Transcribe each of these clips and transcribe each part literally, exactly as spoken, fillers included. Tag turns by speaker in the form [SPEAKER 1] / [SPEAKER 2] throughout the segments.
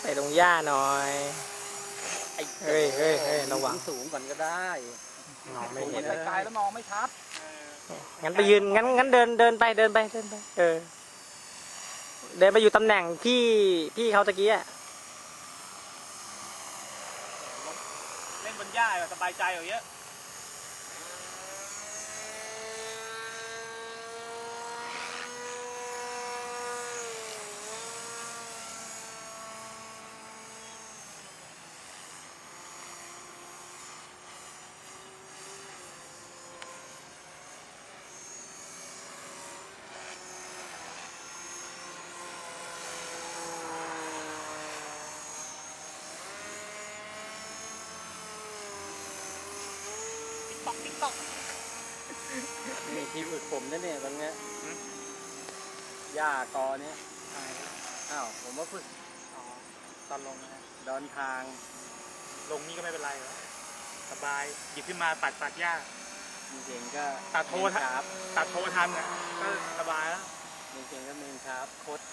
[SPEAKER 1] ไปลงหญ้าหน่อยเฮ้ยเฮ้ยเฮ้ยระวัง
[SPEAKER 2] สูงก่อนก็ได้
[SPEAKER 1] มองไม่เห็น
[SPEAKER 2] ไกลๆแล้วมองไม่ชัด
[SPEAKER 1] งั้นไปยืนงั้นงั้นเดินเดินไปเดินไปเดินไปเออเดินไปอยู่ตำแหน่งพี่พี่เขาตะกี้อะ
[SPEAKER 3] เล่นบนหญ้าสบายใจอยู่เยอะตอกติ๊กตอก
[SPEAKER 2] นี่ที่ฝึกผมนั่นเนี่ยตรงเนี้ยหญ้ากอเนี้ยอ้าวผมว่าฝึก
[SPEAKER 3] ตอนลงนะ
[SPEAKER 2] ดอนทาง
[SPEAKER 3] ลงนี่ก็ไม่เป็นไรหรอกสบายหยิบขึ้นมาตัดตัดหญ้า
[SPEAKER 2] เก่งก็
[SPEAKER 3] ตัดโทษ
[SPEAKER 2] ครับ
[SPEAKER 3] ตัดโททันนะก็สบายแล้ว
[SPEAKER 2] เก่งก็เมนครับโคตร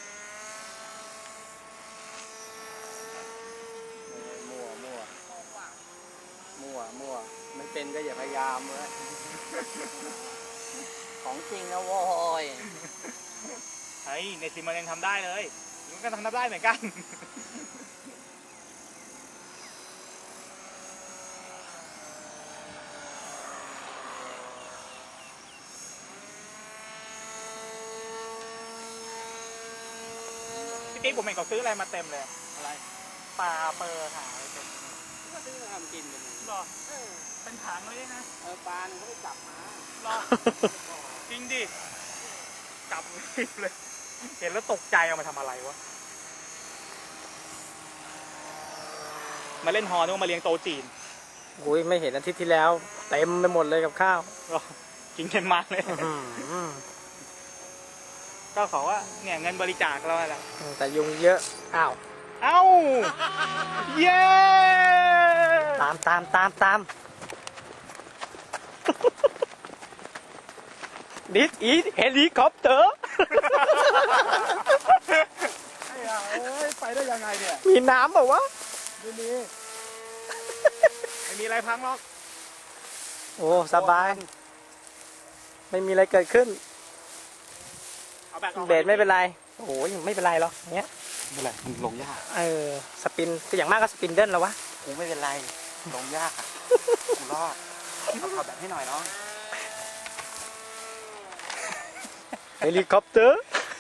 [SPEAKER 2] มั่วมั่วมั่วมั่วไม่เป็นก็อย่าพยายามเลยของจริงนะโว้ย
[SPEAKER 3] เฮ้ยในซิมมันยังทำได้เลยมันก็ทำได้เหมือนกันพี่ติ๊กผมเห็นเขาซื้ออะไรมาเต็มเลย
[SPEAKER 2] อะไร
[SPEAKER 3] ปลาเปอร์หาอะไรเต็ม
[SPEAKER 2] ก็ซื้อมาทำกินกัน
[SPEAKER 3] หรอเป็นถังเลยนะ
[SPEAKER 2] เออปลาเนี่ยเขาไปจับมา
[SPEAKER 3] หรอจริงดิจับเลยเห็นแล้วตกใจเอามาทำอะไรวะมาเล่นฮอนึกว่ามาเลี้ยงโตจีน
[SPEAKER 1] อุ้ยไม่เห็นอาทิตย์ที่แล้วเต็มไปหมดเลยกับข้าว
[SPEAKER 3] กินเค็มมากเลยก็ขอว่าเนี่ยเงินบริจาคเราแหละ
[SPEAKER 1] แต่ยุงเยอะอ้าว
[SPEAKER 3] เอ้าเย้
[SPEAKER 1] ตามตามตามตาม This is helicopter
[SPEAKER 2] ไอ้ห่าเอ้ยไปได้ยังไงเนี่ย
[SPEAKER 1] มีน้ำเปล่าวะ
[SPEAKER 2] ไม่มี
[SPEAKER 3] ไม่มีอะไรพังหรอก
[SPEAKER 1] โอ้สบายไม่มีอะไรเกิดขึ้นเบรดไม่เป็นไรโอ้ยไม่เป็นไรหรอกเนี้ย
[SPEAKER 2] ไม่เป็นไรลงยาก
[SPEAKER 1] เออสปินอย่างมากก็สปินเดิลแล้ววะ
[SPEAKER 2] กูไม่เป็นไรลงยากกูรอดเอาขับแบบให้หน่อยน้อง
[SPEAKER 1] เฮลิคอปเตอร์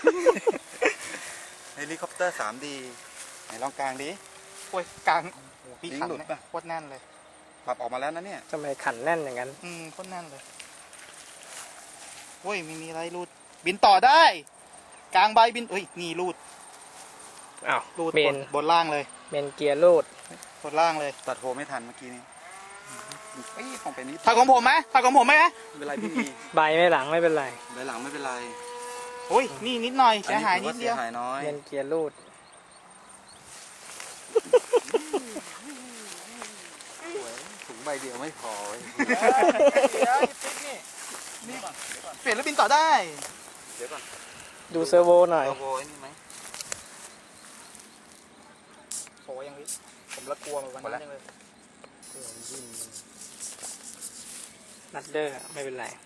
[SPEAKER 2] เฮลิคอปเตอร์ สามดี ไหนลองกลางดิ
[SPEAKER 3] โอ้ยกลางโอ้พี่ขันเนี่ยโคตรแน่นเลย
[SPEAKER 2] ปรับออกมาแล้วนะเนี่ย
[SPEAKER 1] ทำไมขันแน่นอย่างนั้น
[SPEAKER 3] อืมโคตรแน่นเลยโอ้ยไม่มีอะไรรูดบินต่อได้กลางใบบินเอ้ยนี่รูด
[SPEAKER 1] อ้าว
[SPEAKER 3] รูดบนบนล่างเลย
[SPEAKER 1] เมนเกียร์รูด
[SPEAKER 3] บนล่างเลย
[SPEAKER 2] ตัดโฮไม่ทันเมื่อกี้นี้ไอ้ของเป็นนี้
[SPEAKER 3] ถักของผมไหมถักของผมไหม
[SPEAKER 2] ไม่เป็นไรพี่มี
[SPEAKER 1] ใบไม่หลังไม่เป็นไร
[SPEAKER 2] ใบหลังไม่เป็นไร
[SPEAKER 3] โอ้ยนี่นิดหน่อยเสียหายนิดเดียว
[SPEAKER 2] เสียหายน้อย
[SPEAKER 1] เมนเกียร์รูด
[SPEAKER 2] ถุงใบเดียวไม่พอ
[SPEAKER 3] เปลี่ยนแล้วบินต่อได้
[SPEAKER 2] เดี๋ยวก่อน
[SPEAKER 1] ดูเซอร์โวหน่อย
[SPEAKER 2] เซอร์โวนี่ไหม
[SPEAKER 3] โอ้ยังวิผมละกลัวมันวันนี้เลย
[SPEAKER 1] นัดเดอร์ไม่เป็นไร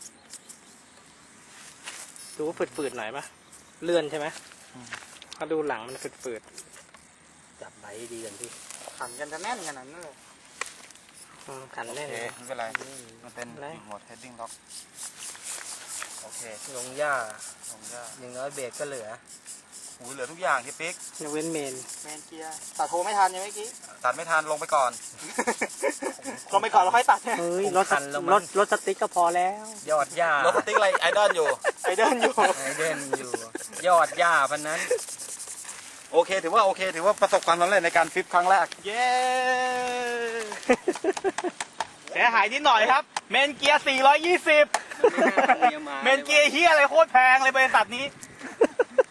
[SPEAKER 1] ดูว่าฝืดๆหน่อยปะเลื่อนใช่ไหมถ้าดูหลังมันฝืด
[SPEAKER 2] ๆจับใบดีกันพี่
[SPEAKER 3] ขันกันจะแน่นขนาดนั้นเลย
[SPEAKER 1] ขันแน่น
[SPEAKER 2] ไม่เป็นไรมันเป็นโหมดเฮดดิ้งล็อกโอเค
[SPEAKER 1] ลงหญ้า
[SPEAKER 2] ลงหญ้า
[SPEAKER 1] อย่างน้อยเบรกก็เหลือ
[SPEAKER 2] หูเหลือทุกอย่างที่ปิ๊ก
[SPEAKER 1] ยกเว้นเมน
[SPEAKER 3] เมนเกียร์ตัดโทไม่ทันยังเมื่อกี้
[SPEAKER 2] ตัดไม่ทันลงไปก่อน
[SPEAKER 3] ลงไปก่อนแล้วค่อยตัด
[SPEAKER 1] เฮ้ยรถรถรถสติ๊กก็พอแล้ว
[SPEAKER 2] ยอดหญ้ารถสติ๊กอะไรไอดอลอยู่
[SPEAKER 3] ไอดอลอยู่
[SPEAKER 1] ไอเดนอยู่ยอดหญ้าพันนั้น
[SPEAKER 2] โอเคถือว่าโอเคถือว่าประสบความสำเร็จในการฟลิปครั้งแรก
[SPEAKER 3] เย้เสียหายนิดหน่อยครับเมนเกียร์สี่ร้อยยี่สิบเมนเกียร์เฮียอะไรโคตรแพงเลยบริษัทนี้